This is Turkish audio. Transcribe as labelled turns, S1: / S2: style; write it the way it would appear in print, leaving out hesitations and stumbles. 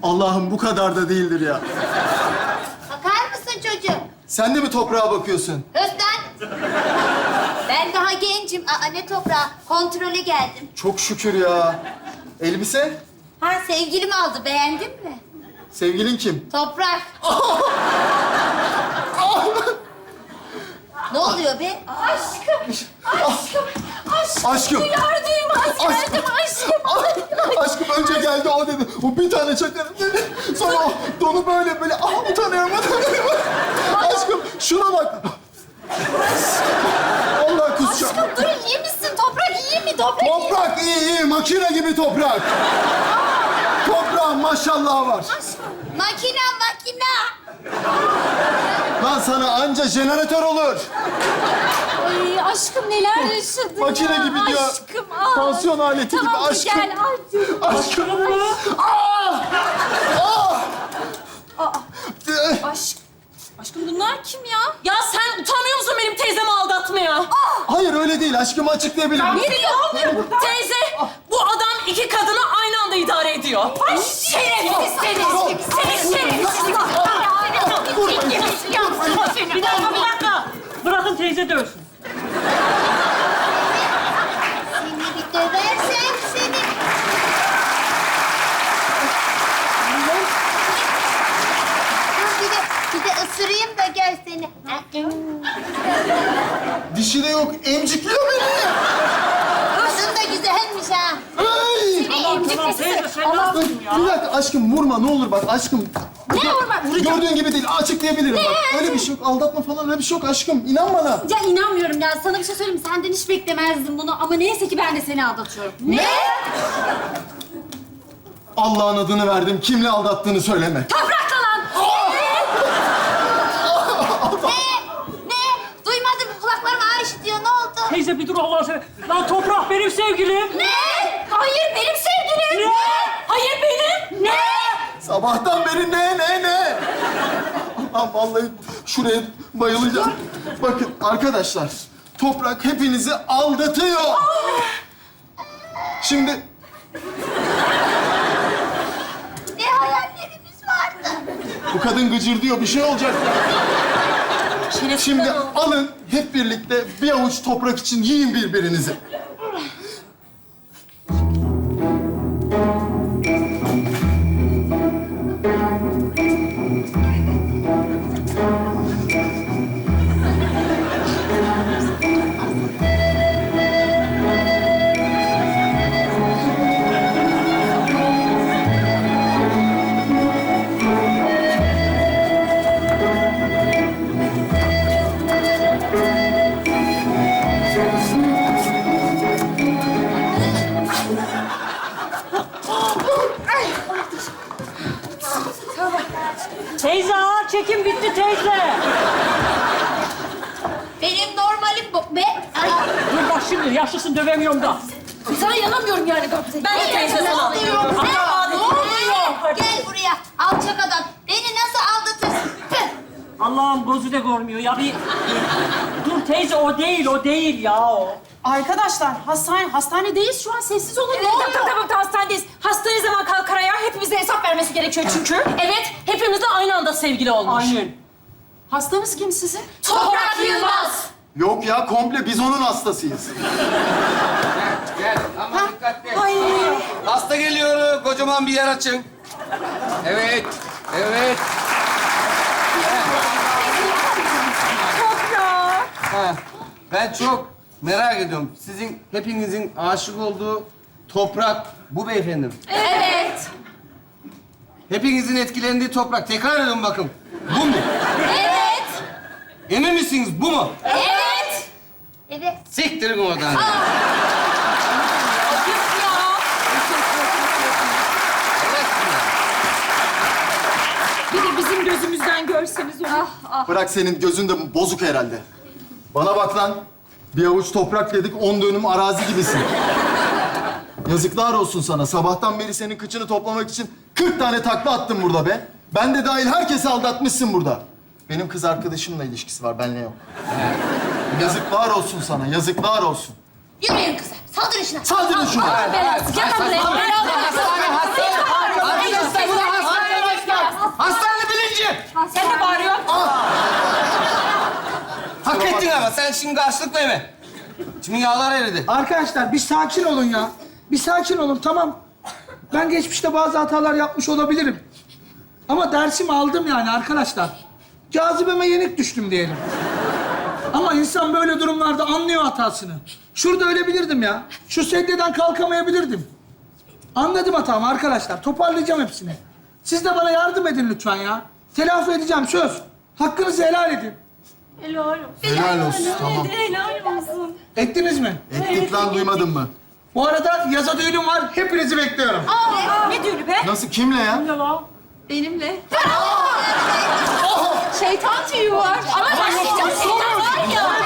S1: Allah'ım bu kadar da değildir ya.
S2: Bakar mısın çocuğum?
S1: Sen de mi toprağa bakıyorsun?
S2: Özden. Ben daha gencim. Aa, ne toprağı? Kontrole geldim.
S1: Çok şükür ya. Elbise?
S2: Ha, sevgilim aldı. Beğendin mi?
S1: Sevgilin kim?
S2: Toprak. Ne oluyor be?
S3: Aşkım.
S1: Aşkım.
S3: Duyar duymaz geldim aşkım.
S1: Aşkım önce geldi o dedi. O bir tane çakarım dedi. Sonra o donu böyle utanıyorum. Aşkım şuna bak. Allah kusacağım.
S3: Aşkım dur iyi misin? Toprak iyi mi? Toprak iyi.
S1: Toprak iyi. Makine gibi toprak. Toprağın maşallah var.
S2: Makina.
S1: Lan sana anca jeneratör olur.
S3: Ay aşkım neler yaşadın
S1: Makine
S3: ya.
S1: gibi diyor.
S3: Aşkım al.
S1: Tansiyon aleti gibi
S3: Tamam
S1: aşkım.
S3: gel al.
S1: Aşkım.
S3: Aşkım bunlar kim ya? Ya sen utanmıyor musun benim teyzemi aldatmaya?
S1: Hayır öyle değil. Aşkımı açıklayabilirim.
S3: Ne diyor? Teyze, bu adam iki kadını aynı anda idare ediyor. Ay şerefsiz seni. Seni şerefsiz.
S4: Bir dakika. Bırakın teyze dövsün.
S2: Seni bir döversem seni. Bir de ısırayım da gör seni.
S1: Dişi de yok. Emcikliyor beni.
S2: Kadın da güzelmiş ha.
S1: Ay!
S4: Tamam teyze sen ne yapıyorsun ya?
S1: Bir dakika aşkım vurma ne olur bak aşkım.
S3: Ne vurma? Vuracağım.
S1: Gördüğün gibi değil. Açıklayabilirim bak. Öyle bir şey yok. Aldatma falan öyle bir şey yok aşkım. İnan bana.
S3: Ya inanmıyorum ya. Sana bir şey söyleyeyim mi? Senden hiç beklemezdim bunu ama neyse ki ben de seni aldatıyorum. Ne?
S1: Allah'ın adını verdim. Kimle aldattığını söyleme.
S3: Toprakla lan!
S2: Ne? Duymadım. Kulaklarım ağır işitiyor. Ne oldu?
S4: Teyze bir dur Allah'ını seversen. Lan Toprak benim sevgilim.
S3: Ne? Hayır benim sevgilim.
S4: Ne?
S3: Hayır benim. Ne?
S1: Sabahtan beri ne? Allah'ım vallahi şuraya bayılacağım. Bakın arkadaşlar. Toprak hepinizi aldatıyor. Şimdi
S2: Ne hayallerimiz vardı.
S1: bu kadın gıcır diyor. Bir şey olacak. Şimdi alın hep birlikte bir avuç toprak için yiyin birbirinizi.
S4: Teyze ağır çekim bitti teyze.
S2: Benim normalim bu. Be.
S4: Dur bak şimdi yaşlısın dövemiyorum da.
S3: Sana yanamıyorum yani Gamze. Ben de teyze
S2: Ne
S3: sana.
S2: oluyor? Ne oluyor? Gel buraya. Alçak adam. Beni nasıl aldatırsın? Püh!
S4: Allah'ım gözü de görmüyor ya bir... Dur teyze o değil ya o.
S5: Arkadaşlar hastanedeyiz şu an sessiz olun. Ne oluyor?
S3: Tamam hastanedeyiz. Hasta ne zaman kalkar ayağa hepimize hesap vermesi gerekiyor çünkü. Evet, hepimiz de aynı anda sevgili olmuş.
S4: Aynen.
S5: Hastanız kim sizin?
S3: Toprak Yılmaz.
S1: Yok ya komple biz onun hastasıyız.
S6: Gel ama dikkatli.
S5: Ay.
S6: Hasta geliyor. Kocaman bir yer açın. Evet.
S3: Toprak.
S6: Ha. Ben çok merak ediyorum. Sizin hepinizin aşık olduğu toprak bu beyefendi mi?
S3: Evet.
S6: Hepinizin etkilendiği toprak. Tekrar edin bakın. Bu mu?
S3: Evet.
S6: Emin misiniz bu mu?
S3: Evet.
S2: Evet.
S6: Siktirin oradan.
S3: Ayıp ya.
S6: Evet.
S3: Bir de bizim gözümüzden görseniz onu.
S1: Bırak senin gözün de bozuk herhalde. Bana bak lan. Bir avuç toprak dedik, 10 dönüm arazi gibisin. Yazıklar olsun sana. Sabahtan beri senin kıçını toplamak için 40 tane takla attım burada be. Ben de dahil herkesi aldatmışsın burada. Benim kız arkadaşımla ilişkisi var, benle yok. Yazıklar olsun sana, yazıklar olsun.
S2: Yürüyün kızlar. Saldırın şuna.
S1: Saldırın şuna.
S3: Belası. Gel lan buraya. Belalı.
S6: Hastane.
S3: Sen de bağırıyorsun.
S6: Hak ettin ama sen şimdi karşılık verme. Şimdi yağlar eridi.
S7: Arkadaşlar bir sakin olun ya. Bir sakin olun, tamam. Ben geçmişte bazı hatalar yapmış olabilirim. Ama dersimi aldım yani arkadaşlar. Cazibeme yenik düştüm diyelim. Ama insan böyle durumlarda anlıyor hatasını. Şurada ölebilirdim ya. Şu sedyeden kalkamayabilirdim. Anladım hatamı arkadaşlar. Toparlayacağım hepsini. Siz de bana yardım edin lütfen ya. Telafi edeceğim, söz. Hakkınızı helal edin.
S4: Helal olsun.
S1: Helal olsun. Tamam.
S4: Helal olsun.
S7: Ettiniz mi?
S1: Ettik lan, duymadın mı?
S7: Bu arada yaza düğünüm var. Hepinizi bekliyorum.
S3: Ne düğünü be?
S1: Nasıl, kimle ya?
S4: Ne lan?
S5: Benimle. Şeytan tüyü var.
S3: Ama başlayacağım. Şeytan var ya.